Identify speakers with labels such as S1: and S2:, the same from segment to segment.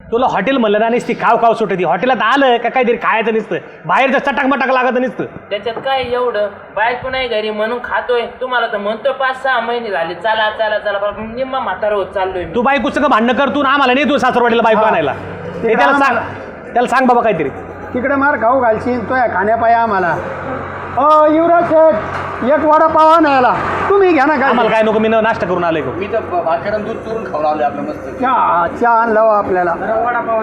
S1: तुला हॉटेल म्हणलं ना नुसती खाव खाव सुटती. हॉटेलात आलं का काहीतरी खायचं नसतं, बाहेरचं चटाक मटाक लागत नसतं.
S2: त्याच्यात काय एवढं, बायको नाही घरी म्हणून खातोय. तुम्हाला तर म्हणतो 5-6 महिने झाले चला चला चला, निम्मा म्हातारा होत चाललोय.
S1: तू बायकोचं का भांडणं करतो ना आम्हाला नाही तू सासरवाडीला बायको आणायला. हे त्याला सांग बाबा काहीतरी.
S3: तिकडे मार खाऊ घालशील तो या खाण्यापाय आम्हाला. युवराज शेठ एक वडापाव आणायला तुम्ही घ्या ना. काय
S1: आम्हाला काय नको, मी नाश्ता करून आलोय.
S4: मी तर भाकरन दूध चोरून खाऊन आलोय आपलं मस्त.
S3: चहा आणला आपल्याला.
S2: वडापाव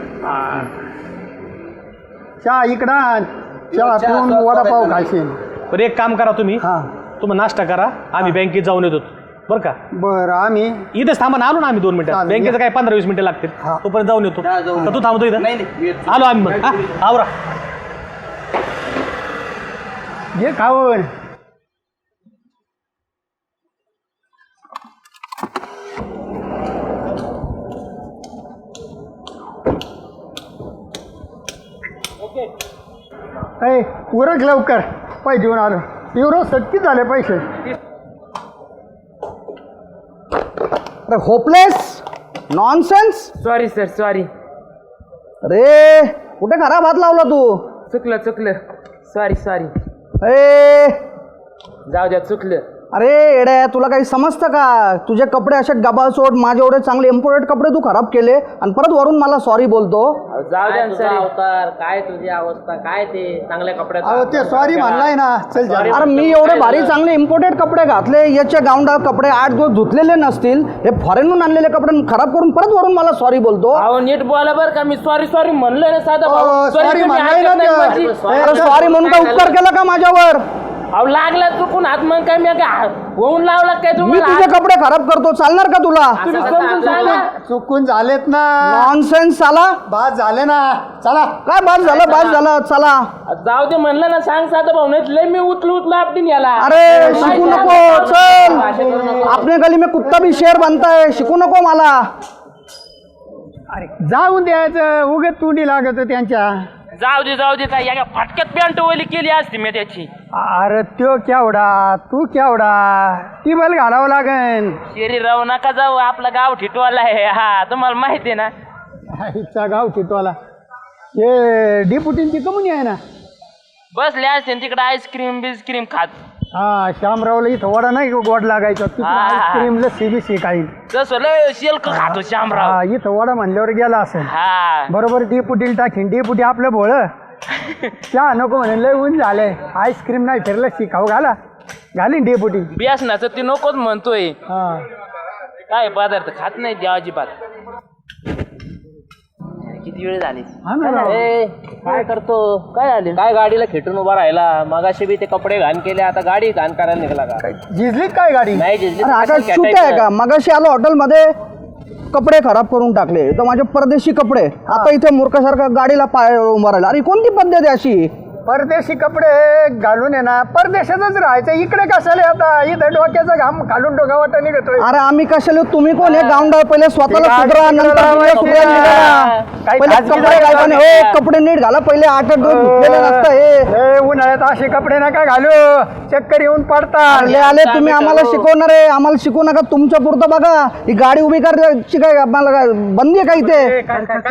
S3: चहा इकडं आण. चहा पिऊन वडापाव खाशील.
S1: बरं एक काम करा तुम्ही,
S3: हां
S1: तुम्ही नाश्ता करा, आम्ही बँकेत जाऊन येतो बरं का.
S3: बरं आम्ही
S1: इथेच थांबा ना, आलो ना आम्ही 2 मिनिटात.
S3: चालेल.
S1: बँकेचं काय 15-20 मिनिटं लागतील.
S3: हां.
S1: तोपर्यंत जाऊन येतो.
S4: जा, जाऊन.
S1: का तू थांबतो इथं?
S4: नाही मी येतो.
S1: आलो आम्ही मग. आवरा.
S3: घे खाऊन. उरक लवकर, पैसे देऊन आलो. युवराज सटकी झाले पैसे.
S5: अरे hopeless nonsense.
S2: Sorry sir sorry.
S5: अरे कुठे खराब हात लावला तू.
S2: चुकलं सॉरी सॉरी.
S5: ए
S2: जाऊ द्या चुकलं.
S5: अरे येड्या तुला काही समजतं का. तुझे कपडे असे गबाळ सोड, माझे एवढे चांगले इम्पोर्टेड कपडे तू खराब केले आणि परत वरून मला सॉरी बोलतो.
S2: जाऊ द्या सर. अवतार काय तुझी अवस्था काय, ते चांगल्या कपड्यात.
S3: अहो ते सॉरी म्हणलाय ना. चल जा.
S5: अरे मी एवढे भारी चांगले इम्पोर्टेड कपडे घातले, याचे गावंडा कपडे 8 दिवस धुतलेले नसतील, हे फॉरेनहून आणलेले कपडे खराब करून परत वरून मला सॉरी बोलतो.
S2: अहो नीट बोला बरं का. मी सॉरी सॉरी म्हणलोय ना साधा भाऊ.
S3: सॉरी म्हणलाय ना ते.
S5: अरे सॉरी म्हणून का उपकार केला का माझ्यावर.
S2: अहो लागला चुकून हात, मग काय मी काय होऊन लावला काय
S5: मी
S2: तुम्हाला.
S5: तुझे कपडे खराब करतो, चालणार का तुला.
S2: तुम्ही समजून सांगा.
S3: चुकून झालेत ना.
S5: नॉनसेन्स साला.
S3: बाद झाले ना. चला.
S5: काय बाद झालं चला.
S2: जाऊ दे म्हणलं ना, सांग साधा भाऊ, नाही लय मी उचलू आपली याला.
S5: अरे शिकू नको, चल. आपने गली में कुत्ता भी शेर बनता है, शिकू नको मला.
S3: अरे जाऊन द्यायचं, उगत तुंडी लागत त्यांच्या.
S2: जाऊ दे काय या फाटक्यात पॅन्ट ओली केली असती मी त्याची.
S3: अरे त्यो केवढा तू केवढा, ती बल घालावं लागेल.
S2: शरीर राहू नका जाऊ, आपला गाव ठिटवाला आहे. हा तुम्हाला माहिती आहे ना.
S3: इच्छा गाव चितवाला. हे डिपुटींची कमुनी आहे ना.
S2: बसले असते तिकडे आईस्क्रीम बिस्क्रीम खात.
S3: हा श्यामरावला इथं वडा नाही गोड लागायचा.
S2: हा.
S3: आईस्क्रीम लस्सी बिस्सी काही.
S2: जसं लय शेल्क खातो श्यामराव.
S3: हा इथं वडा म्हणल्यावर गेला असेल.
S2: हा
S3: बरोबर डिपुटीला टाकीन. डिपुटी आपलं भोळ चहा नको म्हणे, लय ऊन झालंय. आईस्क्रीम नाही फिरलं लस्सी खाऊ घालीन डिपुटी.
S2: बियासनाचं ती नकोच म्हणतोय.
S3: हा
S2: काय पदार्थ खात नाही देव अजिबात. किती वेळ झाली.
S3: हा ना राव.
S2: काय करतो, काय झाले. काय गाडीला खेटून उभा राहिला. मगाशी बी ते कपडे घाण केले, आता गाडी घाण करायला निघाला का.
S3: झिजलीत काय गाडी.
S2: नाही जिजली.
S5: अरे आता चूक आहे का. मगाशी आलो हॉटेलमध्ये, कपडे खराब करून टाकले, तर माझे परदेशी कपडे. आता इथे मूर्खासारखा गाडीला पाय उभा राहिला. अरे कोणती पद्धत आहे अशी.
S3: परदेशी कपडे घालून आहे ना, परदेशातच राहायचं. इकडे कशाला आता. इथं डोक्याचा घाम खालून डोकावाटा निघतोय.
S5: अरे आम्ही कशाला, तुम्ही कोण हे गावंडा. पहिले स्वतःला सुधरा, नंतर दुनिया सुधारायला निघा. पहिले कपडे घालताना हो कपडे नीट घाला. पहिले 8 दिवस धुतलेले नसतं हे.
S3: उन्हाळ्यात असे कपडे नका घालू, चक्कर येऊन पडतात.
S5: आले तुम्ही आम्हाला शिकवणार आहे. आम्हाला शिकवू नका, तुमच्या पुरतं बघा. ही गाडी उभी करायची काय आम्हाला काय बंदी आहे का इथे.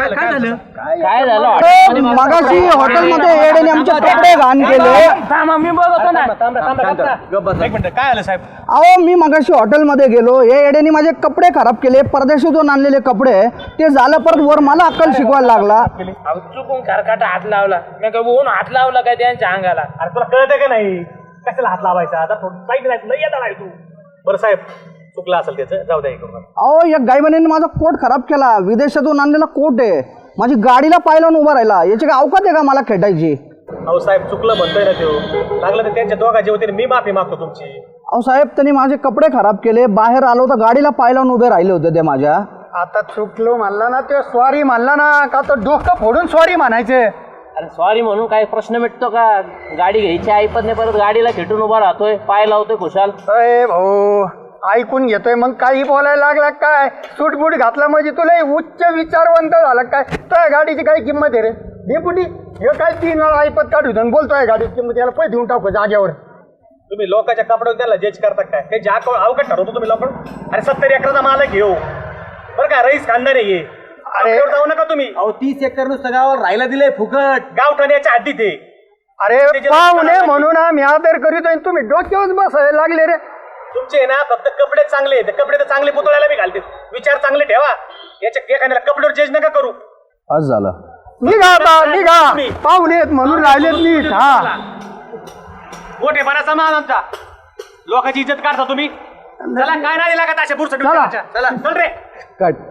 S2: काय झालं.
S5: अरे मगाशी हॉटेलमध्ये येडेने आमचे कपडे घाण केले.
S2: मी बघतो ना.
S1: एक मिनिट, काय आलं साहेब.
S5: अहो मी मगाशी हॉटेलमध्ये गेलो, हे येड्याने माझे कपडे खराब केले. परदेशातून आणलेले कपडे ते झालं, परत वर मला अक्कल शिकवायला लागला.
S2: चुकून खरकाटा हात लावला. मी काय ऊन हात लावला काय त्यांच्या अंगाला.
S1: अरे तुला कळतं का नाही, कशाला हात लावायचा. आता थोडं साईड नाही, तुला येता नाही तू. बरं साहेब चुकलं असेल त्याचं, जाऊ द्या.
S5: अहो या गायबाने माझा कोट खराब केला. विदेशातून आणलेला कोट आहे. माझी गाडीला पाय लावून उभा राहिला. याची काय अवकात आहे का मला खेटायची.
S1: अहो साहेब चुकलं म्हणतोय ना तो. लागलं तर त्यांच्या दोघांच्या वतीने मी माफी मागतो तुमची.
S5: अहो साहेब त्यांनी माझे कपडे खराब केले. बाहेर आलो तर गाडीला पाय लावून उभे राहिले होते ते माझ्या.
S3: आता चुकलो म्हणला ना, ते सॉरी म्हणला ना, का तर डोकं फोडून सॉरी म्हणायचे.
S2: अरे सॉरी म्हणून काय प्रश्न मिटतो का. गाडी घ्यायची ऐपत नाही, परत गाडीला खेटून उभा राहतोय, पाय लावतोय खुशाल.
S3: अरे भाऊ ऐकून घेतोय मग काही बोलायला लागला काय. सूटबूट घातला म्हणजे तुला उच्च विचारवंत झाला काय. तुझ्या गाडीची काही किंमत आहे रे डेपुटी. हे काय 3 वेळा ऐपत काढू बोलतोय गाडीची किंमत. याला पैसे देऊन टाकू जागेवर.
S1: तुम्ही लोकांच्या कपड्यावर त्याला जज करता काय. काही अवघड ठरवतो तुम्ही लोक. अरे 70 एकराचा मालक घेऊ बरं का, रईस खानदार आहे.
S3: अरे
S1: डोक्यावर जाऊ नका तुम्ही.
S4: अहो 30 एकर नुसतं गावाला राहायला दिलंय फुकट.
S1: गावठाण्याच्या हद्दीत आहे.
S3: अरे पाहुणे म्हणून आम्ही आदर करीतोय तुम्ही डोक्यावर बसायला लागले रे.
S1: तुमचे ना फक्त कपडे चांगले आहेत. कपडे तर चांगले पुतळ्याला बी घालते. विचार चांगले ठेवा. याच्या एखाद्याला कपड्यावर जज नका करू.
S5: आज झालं.
S3: निघा आता निघा. पाहुणे आहेत म्हणून राहिलेत नीट. हा
S1: मोठे बराचा मान आमचा. लोकांची इज्जत काढता तुम्ही. चला काय नाही लागत अशा पुढचं
S3: चला.
S1: चला चल रे.
S5: कट.